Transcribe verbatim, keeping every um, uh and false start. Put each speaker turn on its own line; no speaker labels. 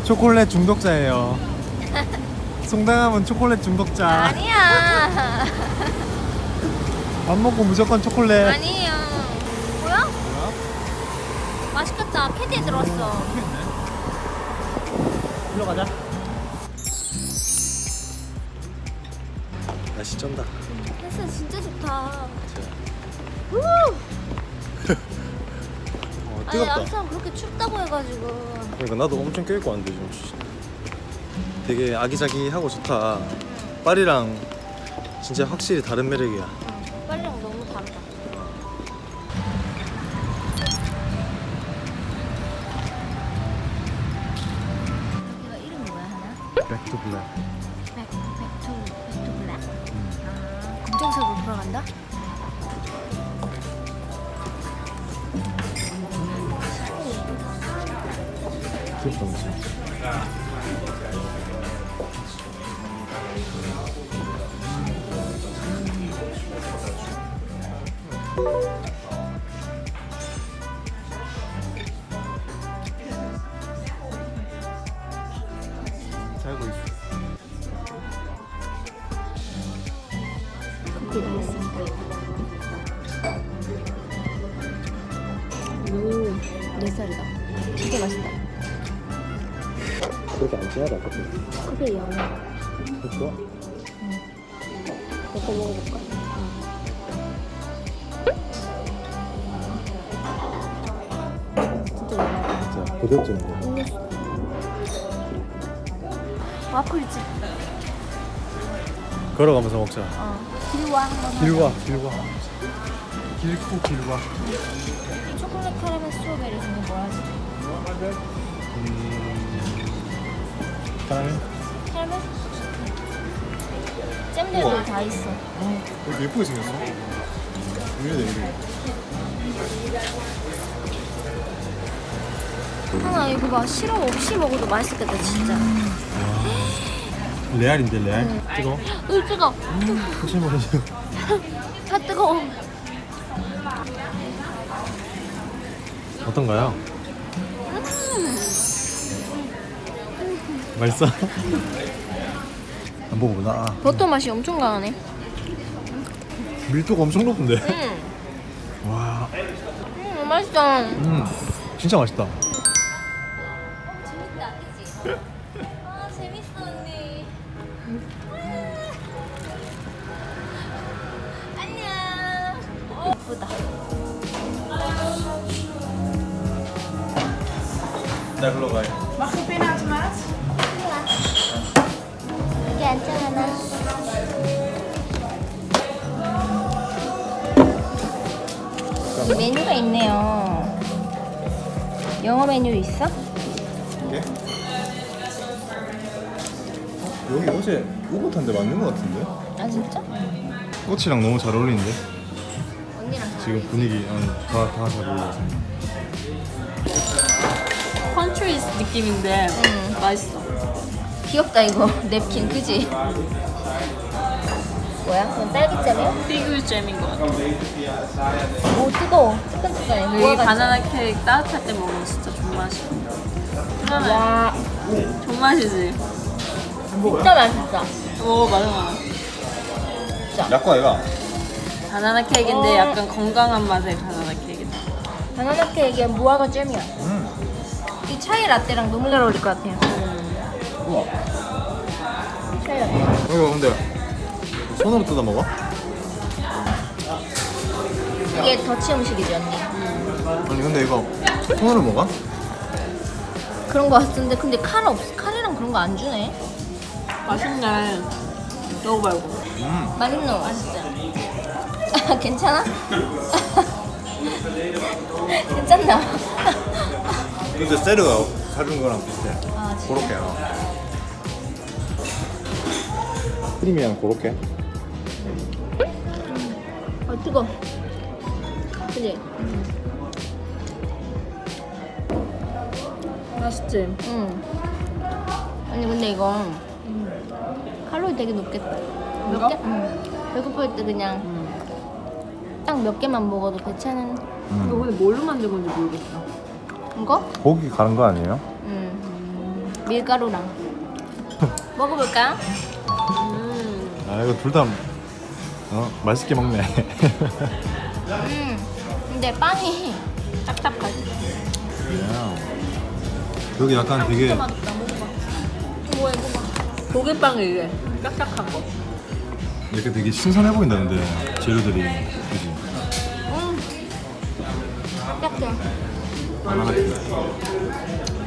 초콜릿 중독자예요. 송당함은 초콜릿 중독자.
아니야.
밥 먹고 무조건 초콜릿.
아니에요. 뭐야? 맛있겠다. 캐디에 들어왔어.
일로 가자. 날씨 쩐다.
햇살 진짜 좋다. 우!
어,
아니
뜨겁다.
항상 그렇게 춥다고 해가지고.
그러니까 나도 엄청 껴입고 왔는데 지금 되게 아기자기하고 좋다. 파리랑 진짜 확실히 다른 매력이야.
응, 빨리랑 너무 다르다. 여기가 이름이 뭐야 하나?
백투 블랙.
백, 백투, 백투 블랙. 아, 검정색으로 돌아간다?
귀엽다 그치? 살고 있어.
커피 다 했습니다. 오, 네 살이다. 진짜 맛있다.
그렇게 안 진하다 커피.
커피 양이.
좋아?
내거 먹어볼까? 진짜 연하다.
진짜 고급진
와플집.
걸어가면서 먹자.
어. 길와 한번
길와 길와 길고 길와.
하자. 초콜릿 카라멜 스트로베리 중에 뭐 하지?
음... 카라멜?
카라멜? 잼들도
우와.
다 있어.
되게 예쁘게 생겼어. 이래야 돼 이래.
하나 이거 봐. 시럽 없이 먹어도 맛있겠다 진짜.
레알인데 레알?
응.
뜨거?
으 뜨거.
혹시 모르죠?
다 뜨거워.
어떤가요? 맛있어? 안 먹어보나? 아,
버터 맛이 엄청 강하네.
밀도가 엄청 높은데?
음,
와,
음 맛있다.
음, 진짜 맛있다.
재밌다, 그지? 아 재밌어 언니. 안녕. 어, 예쁘다.
나 글로 가요.
Mag je pinautomaat?
여기 앉아 하나. 메뉴가 있네요. 영어 메뉴 있어?
이게? 여기 어제 우붓한데 맞는 것 같은데?
아 진짜?
꽃이랑 너무 잘 어울리는데?
언니랑
지금 분위기 다다 잘 어울려.
컨트리스 느낌인데
응.
맛있어.
귀엽다 이거 냅킨 그지? 뭐야? 그건 딸기잼이야?
피글 잼인 것 같아.
오 뜨거워. 뜨끈뜨끈해.
여기
모아가지고.
바나나 케이크 따뜻할 때 먹으면 진짜 존맛이야. 편안해.
와
존맛이지.
진짜 맛있다.
오 맞아 맞아.
약과 얘가
바나나 케이크인데
어.
약간 건강한 맛의 바나나 케이크다.
바나나 케이크에 무화과 잼이야.
음.
이 차이 라떼랑 너무 잘 어울릴 것 같아요.
우와.
차이 라떼.
이거 근데 손으로 뜯어 먹어?
이게 더치 음식이지 언니.
아니 근데 이거 손으로 먹어?
그런 거 같은데 근데 칼 없. 칼이랑 그런 거 안 주네.
맛있네. 먹어봐요.
음.
맛있노? 맛있지. 아, 괜찮아? 괜찮나?
근데 세르가 사준 거랑 비슷해.
아 진짜.
고로케. 크림이랑 고로케.
어 뜨거. 그지?
맛있지?
응. 아니 근데 이거 칼로리 되게 높겠다. 몇
이거?
개? 응. 배고플 때 그냥 딱 몇 개만 먹어도 괜찮은
이거 근데 뭘로 만든 건지 모르겠어.
이거?
고기 가는 거 아니에요?
응. 밀가루랑 먹어볼까?
음.
아 이거 둘 다 어, 맛있게 먹네.
음 근데 빵이 딱딱하지.
여기 약간 되게
진짜 맛있다. 먹어봐. 뭐해 먹어봐.
고기빵이 이게 딱딱한 거.
이렇게 되게 신선해 보인다는데 재료들이 그지?
음 딱딱해.
하나